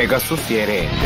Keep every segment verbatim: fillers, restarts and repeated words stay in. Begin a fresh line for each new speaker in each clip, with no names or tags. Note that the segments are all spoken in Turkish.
Pegasus yere indi.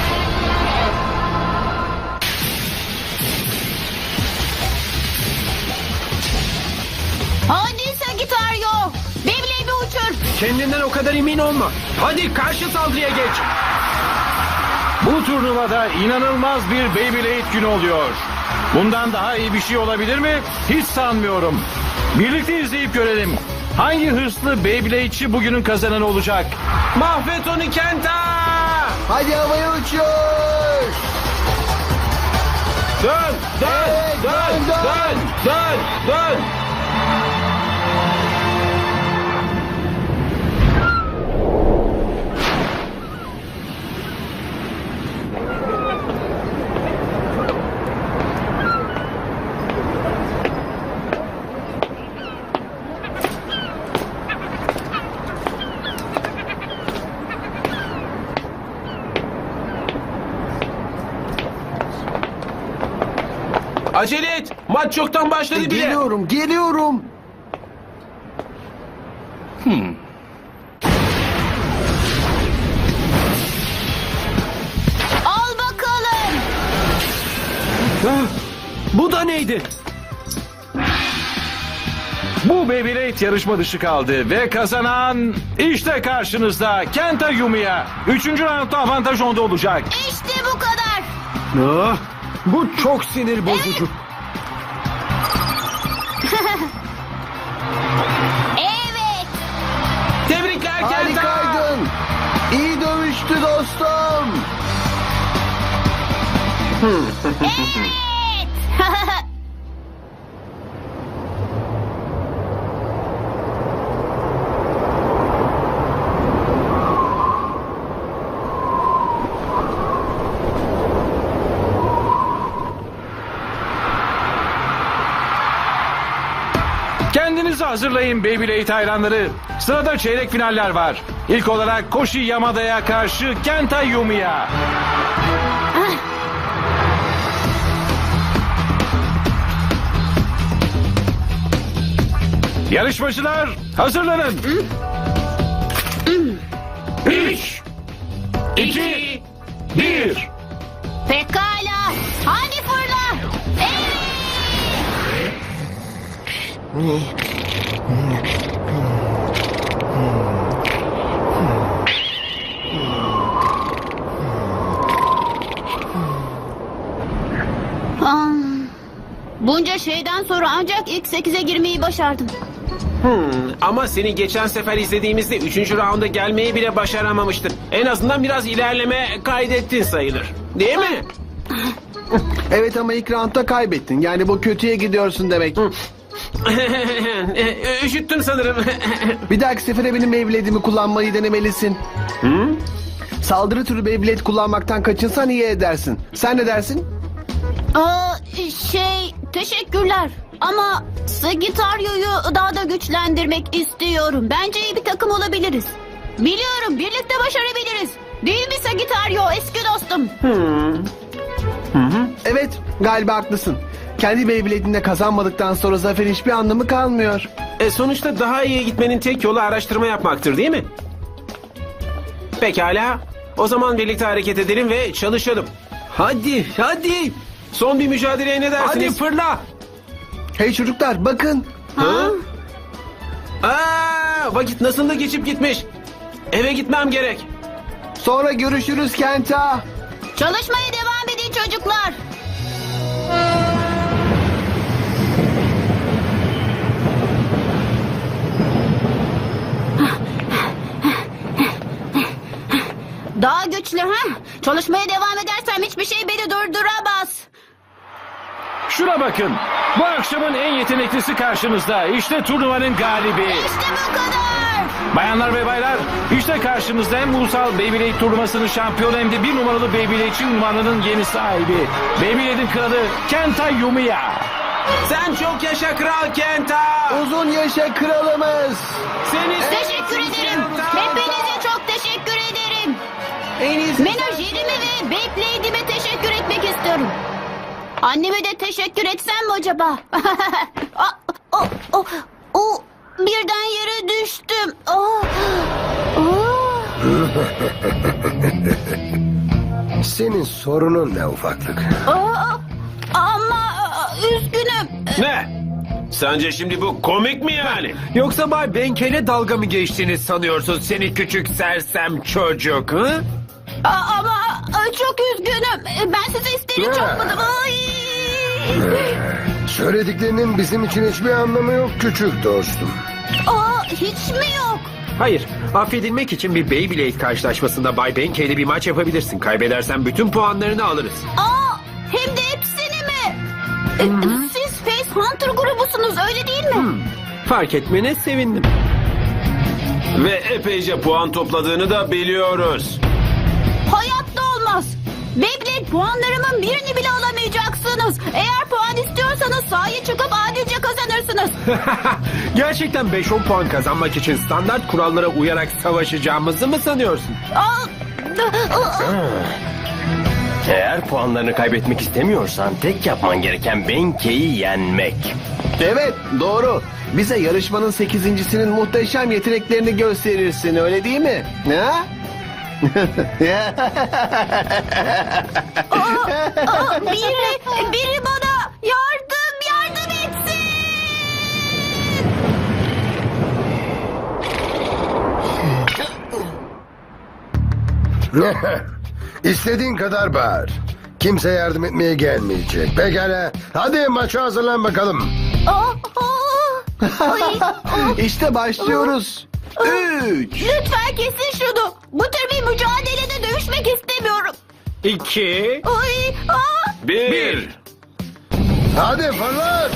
Hadi Sagittario. Beyblade'i uçur.
Kendinden o kadar emin olma. Hadi karşı saldırıya geç.
Bu turnuvada inanılmaz bir Beyblade günü oluyor. Bundan daha iyi bir şey olabilir mi? Hiç sanmıyorum. Birlikte izleyip görelim. Hangi hırslı Beyblade'çi bugünün kazananı olacak?
Mahvet onu Kenta!
Hadi havaya uçuyor.
Dön, dön,
Evet,
dön,
dön,
dön, dön, dön. Acele et. Maç çoktan başladı bile.
Geliyorum, geliyorum.
Al bakalım.
Ah, bu da neydi?
Bu Beyblade yarışma dışı kaldı ve kazanan işte karşınızda Kenta Yumiya. Üçüncü roundda avantaj onda olacak.
İşte bu kadar.
Ah, bu çok sinir bozucu.
Evet.
Tebrikler Kenta.
Harikaydın. İyi dövüştü dostum.
Evet.
Kendinizi hazırlayın Beyblade hayranları. Sırada çeyrek finaller var. İlk olarak Koshi Yamada'ya karşı Kenta Yumiya. Yarışmacılar hazırlanın. Üç, iki, bir.
Pekala. Hadi fırla. Evet. Ah, bunca şeyden sonra ancak ilk sekize girmeyi başardım.
Hmm, ama seni geçen sefer izlediğimizde üçüncü raunda gelmeyi bile başaramamıştın. En azından biraz ilerleme kaydettin sayılır. Değil mi?
Evet ama ilk roundda kaybettin. Yani bu kötüye gidiyorsun demek.
Üşüttüm sanırım.
Bir dahaki sefere benim Beyblade'imi kullanmayı denemelisin. Saldırı türü Beyblade kullanmaktan kaçınsan iyi edersin. Sen ne dersin?
Aa, şey, teşekkürler. Ama Sagittario'yu daha da güçlendirmek istiyorum. Bence iyi bir takım olabiliriz. Biliyorum, birlikte başarabiliriz. Değil mi Sagittario, eski dostum?
Evet, galiba haklısın. Kendi Beyblade'inde kazanmadıktan sonra zaferin hiçbir anlamı kalmıyor.
E, sonuçta daha iyi gitmenin tek yolu araştırma yapmaktır değil mi? Pekala. O zaman birlikte hareket edelim ve çalışalım. Hadi, hadi. Son bir mücadeleye ne dersiniz? Hadi fırla.
Hey çocuklar bakın.
Ha? Aa, vakit nasıl da geçip gitmiş. Eve gitmem gerek.
Sonra görüşürüz Kenta.
Çalışmaya devam edin çocuklar. Daha güçlü ha? Çalışmaya devam edersem hiçbir şey beni durduramaz.
Şuna bakın. Bu akşamın en yeteneklisi karşınızda. İşte turnuvanın galibi.
İşte bu kadar.
Bayanlar ve baylar, işte karşınızda hem ulusal Beyblade turnuvasının şampiyonu hem de bir numaralı Beyblade'çi ünvanının yeni sahibi. Beyblade'in kralı Kenta Yumiya.
Sen çok yaşa Kral Kenta.
Uzun yaşa kralımız.
Seni
Teşekkür ederim. Hepinize çok teşekkür ederim.
En iyisi.
Menajerime ve Beyblade'ime teşekkür etmek istiyorum. Anneme de teşekkür etsem mi acaba? o, o, o, o, birden yere düştüm. Oh, oh.
Senin sorunun ne ufaklık?
Aa, ama aa, üzgünüm.
Ne? Sence şimdi bu komik mi yani?
Yoksa Bay Benke'yle dalga mı geçtiğini sanıyorsun seni küçük sersem çocuk? Hı?
Aa, ama aa, çok üzgünüm. Ben size isteğini çakmadım. Ay.
Söylediklerinin bizim için hiçbir anlamı yok küçük dostum.
Aa, hiç mi yok?
Hayır, affedilmek için bir Beyblade karşılaşmasında Bay Benke ile bir maç yapabilirsin. Kaybedersen bütün puanlarını alırız.
Aa, hem de hepsini mi? Ee, Siz Face Hunter grubusunuz öyle değil mi?
Fark etmene sevindim.
Ve epeyce puan topladığını da biliyoruz.
Hayatta olmaz. Beyblade puanlarımın birini bile alamayacaksınız. Eğer puan istiyorsanız sahaya çıkıp adilce kazanırsınız.
Gerçekten beş on puan kazanmak için standart kurallara uyarak savaşacağımızı mı sanıyorsun?
Aa,
Eğer puanlarını kaybetmek istemiyorsan tek yapman gereken Benke'yi yenmek.
Evet, doğru. Bize yarışmanın sekizincisinin muhteşem yeteneklerini gösterirsin, öyle değil mi? Ha?
aa, biri, biri bana yardım, yardım etsin.
İstediğin kadar bağır. Kimse yardım etmeye gelmeyecek. Pekala. Hadi maça hazırlan bakalım.
Aa, aa. Ay, aa.
İşte başlıyoruz. Üç.
Lütfen kesin şunu. Bu tür bir mücadelede dövüşmek istemiyorum.
İki,
Ay, aa.
bir.
Bir.
Hadi fırlat.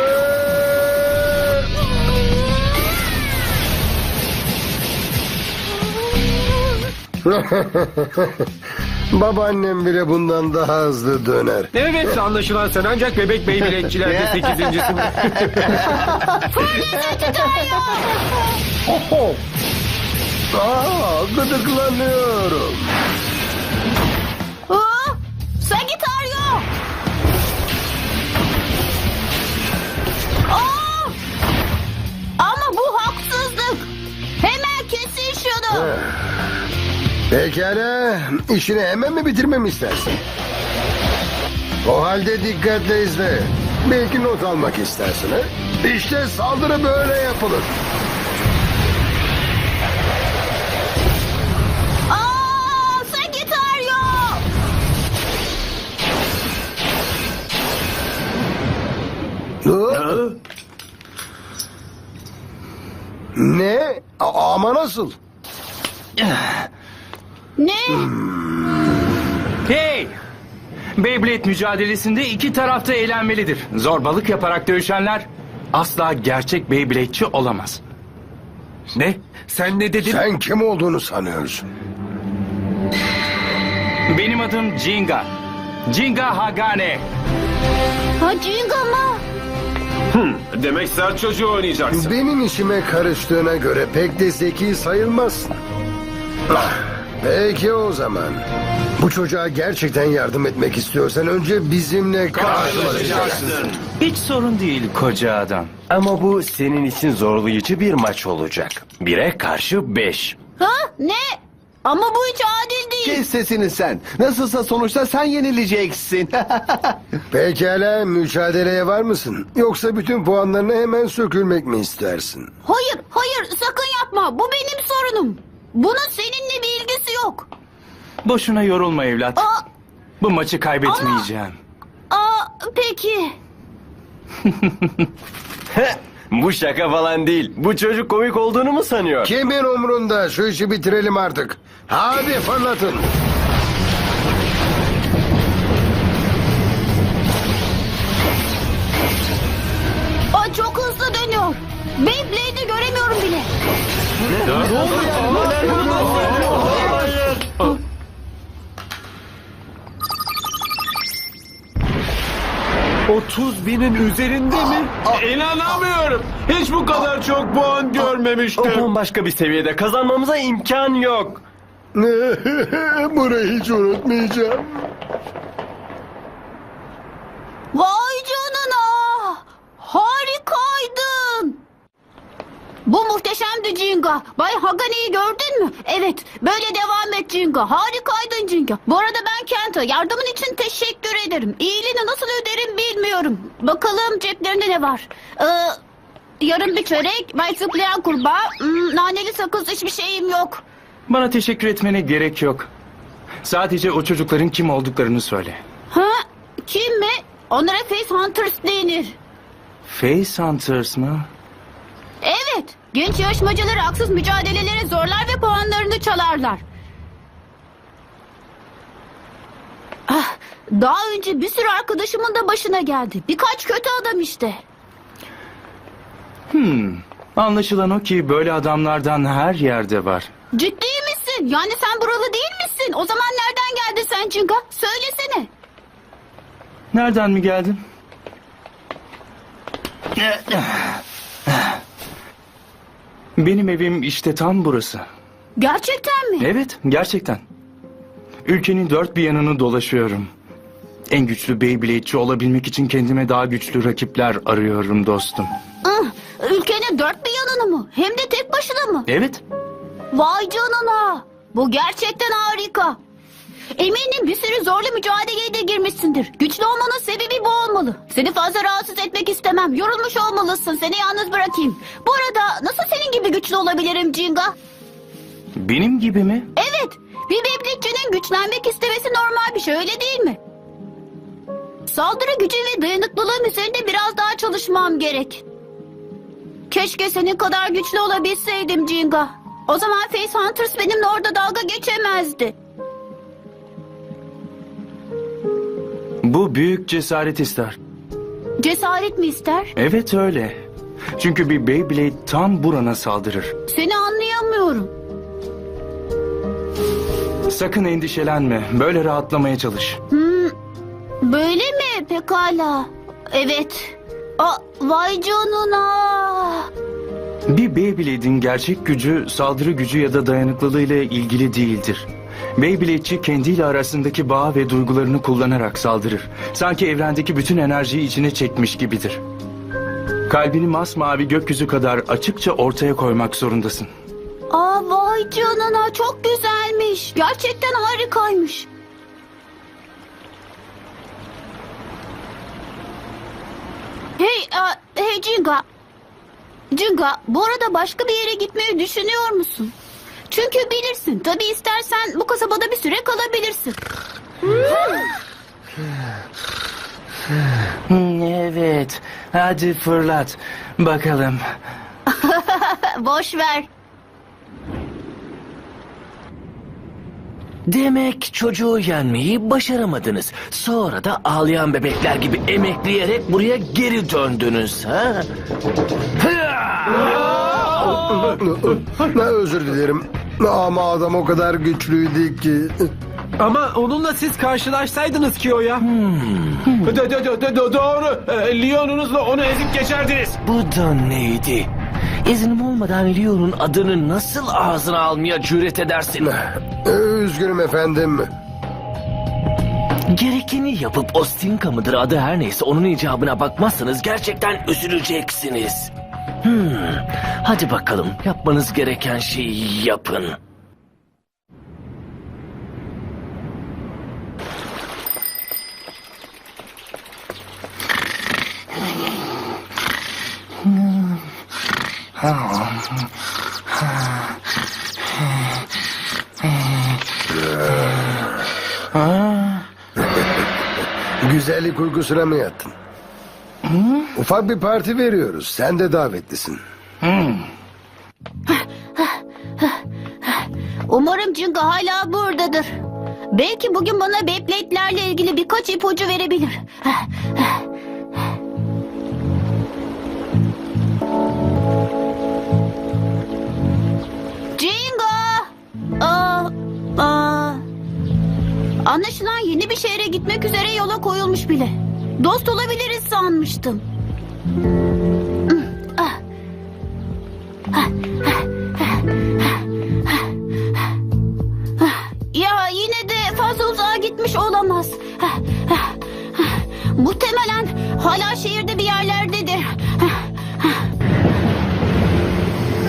Babaannem bile bundan daha hızlı döner.
Evet, anlaşılan sen ancak bebek Beyblade'çilerde sekizincisin.
Aa, gıdıklanıyorum.
Aa, Sagittario. Aa! Ama bu haksızlık. Hemen kesin şunu.
Pekala. İşini hemen mi bitirmemi istersin? O halde dikkatle izle. Belki not almak istersin ha? İşte saldırı böyle yapılır.
Aa, Sagittario.
Hı? Ne? A- ama nasıl?
Ne?
Hey! Beyblade mücadelesinde iki tarafta eğlenmelidir. Zorbalık yaparak dövüşenler asla gerçek Beyblade'çi olamaz.
Ne? Sen ne dedin?
Sen kim olduğunu sanıyorsun?
Benim adım Jinga. Jinga Hagane.
Ha, Jinga mı?
Demek sert çocuğu oynayacaksın.
Benim işime karıştığına göre pek de zeki sayılmazsın. Ah, peki o zaman. Bu çocuğa gerçekten yardım etmek istiyorsan önce bizimle karşılaşacaksın.
Hiç sorun değil koca adam.
Ama bu senin için zorlayıcı bir maç olacak. Bire karşı beş.
Ha? Ne? Ama bu hiç adil değil.
Kes sesini sen. Nasılsa sonuçta sen yenileceksin.
Pekala, mücadeleye var mısın? Yoksa bütün puanlarını hemen sökülmek mi istersin?
Hayır, hayır sakın yapma. Bu benim sorunum. Bunun seninle bir ilgisi yok.
Boşuna yorulma evlat.
Aa,
Bu maçı kaybetmeyeceğim.
aa, peki.
Bu şaka falan değil. Bu çocuk komik olduğunu mu sanıyor?
Kimin umrunda? Şu işi bitirelim artık. Hadi fırlatın.
Aa, çok hızlı dönüyor. Beyblade'i göremiyorum bile.
otuz binin üzerinde mi?
İnanamıyorum. Hiç bu kadar çok puan
O
görmemiştim.
bambaşka bir seviyede kazanmamıza imkan yok.
Burayı hiç unutmayacağım.
Vay canına. Harikaydın. Bu muhteşemdi Cinga. Bay Hagani'yi gördün mü? Evet. Böyle devam et Cinga. Harikaydın Cinga. Bu arada ben Kenta. Yardımın için teşekkür ederim. İyiliğini nasıl öderim bilmiyorum. Bakalım ceplerinde ne var? Ee, yarım bir çörek, bay zıplayan kurbağa, hmm, naneli sakız, hiçbir şeyim yok.
Bana teşekkür etmene gerek yok. Sadece o çocukların kim olduklarını söyle.
Ha? Kim mi? Onlara Face Hunters denir.
Face Hunters mı?
Evet. Genç yarışmacıları haksız mücadelelere zorlar ve puanlarını çalarlar. Ah, daha önce bir sürü arkadaşımın da başına geldi. Birkaç kötü adam işte.
Hmm. Anlaşılan o ki böyle adamlardan her yerde var.
Ciddi misin? Yani sen buralı değil misin? O zaman nereden geldin sen Cinga? Söylesene.
Nereden mi geldin? Benim evim işte tam burası.
Gerçekten mi?
Evet, gerçekten. Ülkenin dört bir yanını dolaşıyorum. En güçlü Beyblade'ci olabilmek için kendime daha güçlü rakipler arıyorum dostum.
Ah, ülkenin dört bir yanını mı? Hem de tek başına mı?
Evet,
Vay canına. Bu gerçekten harika. Eminim bir sürü zorlu mücadeleye de girmişsindir. Güçlü olmanın sebebi bu olmalı. Seni fazla rahatsız etmek istemem. Yorulmuş olmalısın. Seni yalnız bırakayım. Bu arada nasıl senin gibi güçlü olabilirim Cinga?
benim gibi mi?
Evet. Bir Beyblade'cinin güçlenmek istemesi normal bir şey, öyle değil mi? Saldırı gücü ve dayanıklılığım üzerinde biraz daha çalışmam gerek. Keşke senin kadar güçlü olabilseydim Cinga. O zaman Face Hunters benimle orada dalga geçemezdi.
Bu büyük cesaret ister.
Cesaret mi ister?
Evet öyle. Çünkü bir Beyblade tam burana saldırır.
Seni anlayamıyorum.
Sakın endişelenme. Böyle rahatlamaya çalış.
Hmm, böyle mi? Pekala. Evet. Aa, vay canına.
Bir Beyblade'in gerçek gücü saldırı gücü ya da dayanıklılığı ile ilgili değildir. Beyblade'ci kendiyle arasındaki bağ ve duygularını kullanarak saldırır. Sanki evrendeki bütün enerjiyi içine çekmiş gibidir. Kalbini masmavi gökyüzü kadar açıkça ortaya koymak zorundasın.
Aa, vay canına, çok güzelmiş. Gerçekten harikaymış. Hey, a, hey Cinga. Cinga, bu arada başka bir yere gitmeyi düşünüyor musun? Çünkü bilirsin, tabii istersen bu kasabada bir süre kalabilirsin.
Evet, hadi fırlat. Bakalım.
Boş ver.
Demek çocuğu yenmeyi başaramadınız. Sonra da ağlayan bebekler gibi emekleyerek buraya geri döndünüz ha?
Ne özür dilerim. Ama adam o kadar güçlüydü ki.
Ama onunla siz karşılaşsaydınız ki o ya.
Hmm.
Do, do, do, do, doğru. Ee, Leon'unuzla onu ezip geçerdiniz.
Bu da neydi? İznim olmadan Leon'un adını nasıl ağzına almaya cüret edersin?
Üzgünüm efendim.
Gerekeni yapıp Ostinka mıdır adı her neyse onun icabına bakmazsanız gerçekten üzüleceksiniz. Hmm. Hadi bakalım yapmanız gereken şeyi yapın.
Güzellik uykusuna mı yattın? Ufak bir parti veriyoruz. Sen de davetlisin.
Umarım Cinga hala buradadır. Belki bugün bana Beyblade'lerle ilgili birkaç ipucu verebilir. Cinga! Aa, aa. Anlaşılan yeni bir şehre gitmek üzere yola koyulmuş bile. Dost olabiliriz sanmıştım. Ya yine de fazla uzağa gitmiş olamaz. Muhtemelen hala şehirde bir yerlerdedir.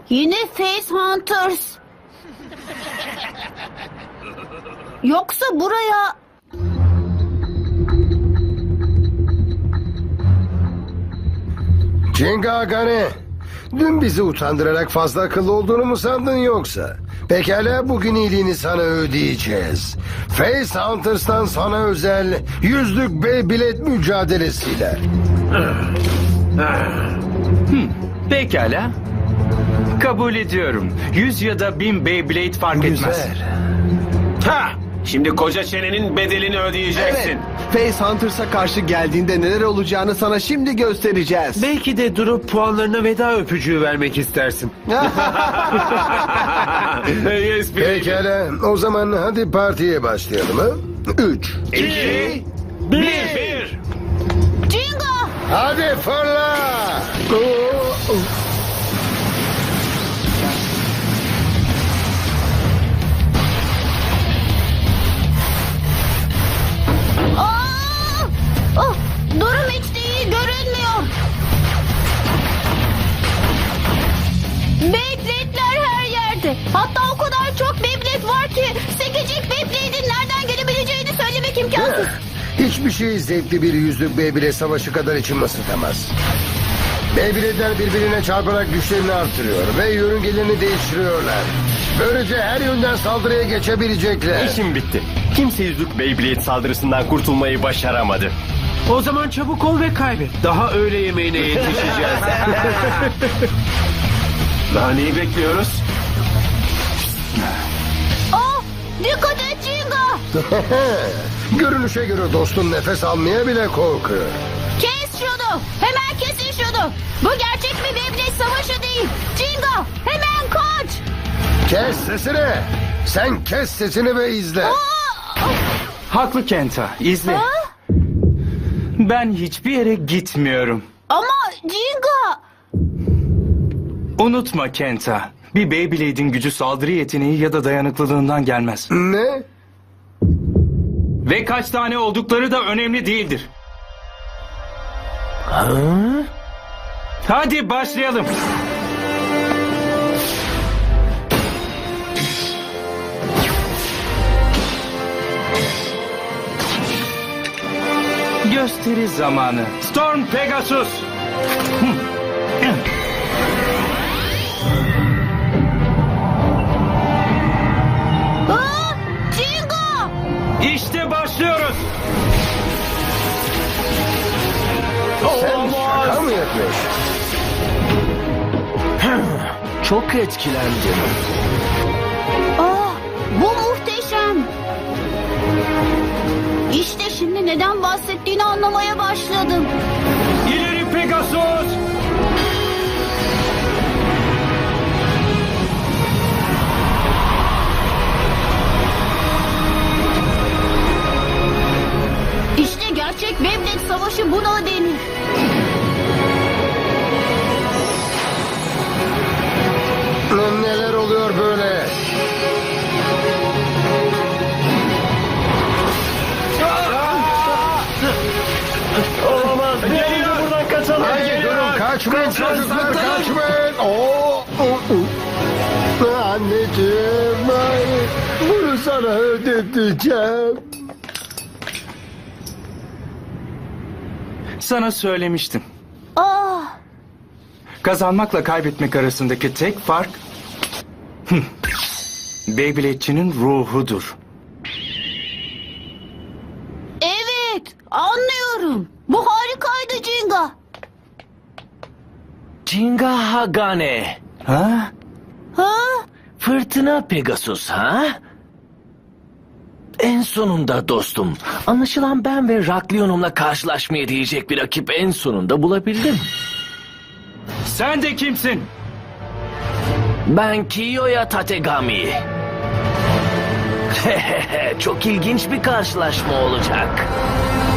Yine Face Hunters. Yoksa buraya...
Jinga Agane, dün bizi utandırarak fazla akıllı olduğunu mu sandın yoksa? Pekala, bugün iyiliğini sana ödeyeceğiz. Face Hunters'tan sana özel yüzlük Beyblade mücadelesiyle.
Pekala. Kabul ediyorum. Yüz ya da bin Beyblade fark etmez.
Güzel.
Ha! Şimdi koca çenenin bedelini ödeyeceksin.
Evet. Face Hunters'a karşı geldiğinde neler olacağını sana şimdi göstereceğiz.
Belki de durup puanlarına veda öpücüğü vermek istersin.
Yes, baby.
Pekala, o zaman hadi partiye başlayalım ha? Üç.
İki, bir. bir.
Jinga!
Hadi fırla! Oo, oo.
Aa! Oh, durum hiç de iyi görünmüyor. Beyblade'ler her yerde. Hatta o kadar çok Beyblade var ki sekecik Beyblade'in nereden gelebileceğini söylemek imkansız.
Hiçbir şey zevkli bir yüzlük Beyblade savaşı kadar içim ısıtamaz. Beyblade'ler birbirine çarparak güçlerini artırıyor ve yörüngelerini değiştiriyorlar. Böylece her yönden saldırıya geçebilecekler.
İşim bitti. Kimse yüzlük Beyblade saldırısından kurtulmayı başaramadı.
O zaman çabuk ol ve kaybet. Daha öğle yemeğine yetişeceğiz.
Daha neyi bekliyoruz?
Oh, dikkat et Jinga!
Görünüşe göre dostum nefes almaya bile korkuyor.
Kes şunu! Hemen kesin şunu! Bu gerçek bir Beyblade savaşı değil! Jinga! Hemen kaç!
Kes sesini! Sen kes sesini ve izle.
Aa!
Haklı Kenta. İzle.
Ha?
Ben hiçbir yere gitmiyorum.
Ama Jinga!
Unutma Kenta. Bir Beyblade'in gücü saldırı yeteneği ya da dayanıklılığından gelmez.
Ne?
Ve kaç tane oldukları da önemli değildir. Hadi başlayalım. Gösteri zamanı. Storm Pegasus.
Aa! Jinga!
İşte başlıyoruz.
Sen şaka mı yapıyorsun?
Çok etkilendim.
Aa, bu muhteşem. İşte şimdi neden bahsettiğini anlamaya başladım.
İleri Pegasus.
İşte gerçek Beyblade savaşı buna denir.
Neler oluyor böyle?
Olamaz. Gelin buradan kaçalım.
Hayır durun, kaçmayın çocuklar, kaçmayın. Oo, oo, oo. Anneciğim, hayır. Bunu sana ödeteceğim.
Sana söylemiştim.
Aa,
Kazanmakla kaybetmek arasındaki tek fark Hıh. Beyblade'çinin ruhudur.
evet, anlıyorum. Bu harikaydı Jinga.
Jinga Hagane.
Ha?
Ha?
Fırtına Pegasus ha? En sonunda dostum. Anlaşılan ben ve Raklionum'la karşılaşmaya değecek bir rakip en sonunda bulabildim.
Sen de kimsin?
Ben Kiyoya Tategami. Çok ilginç bir karşılaşma olacak.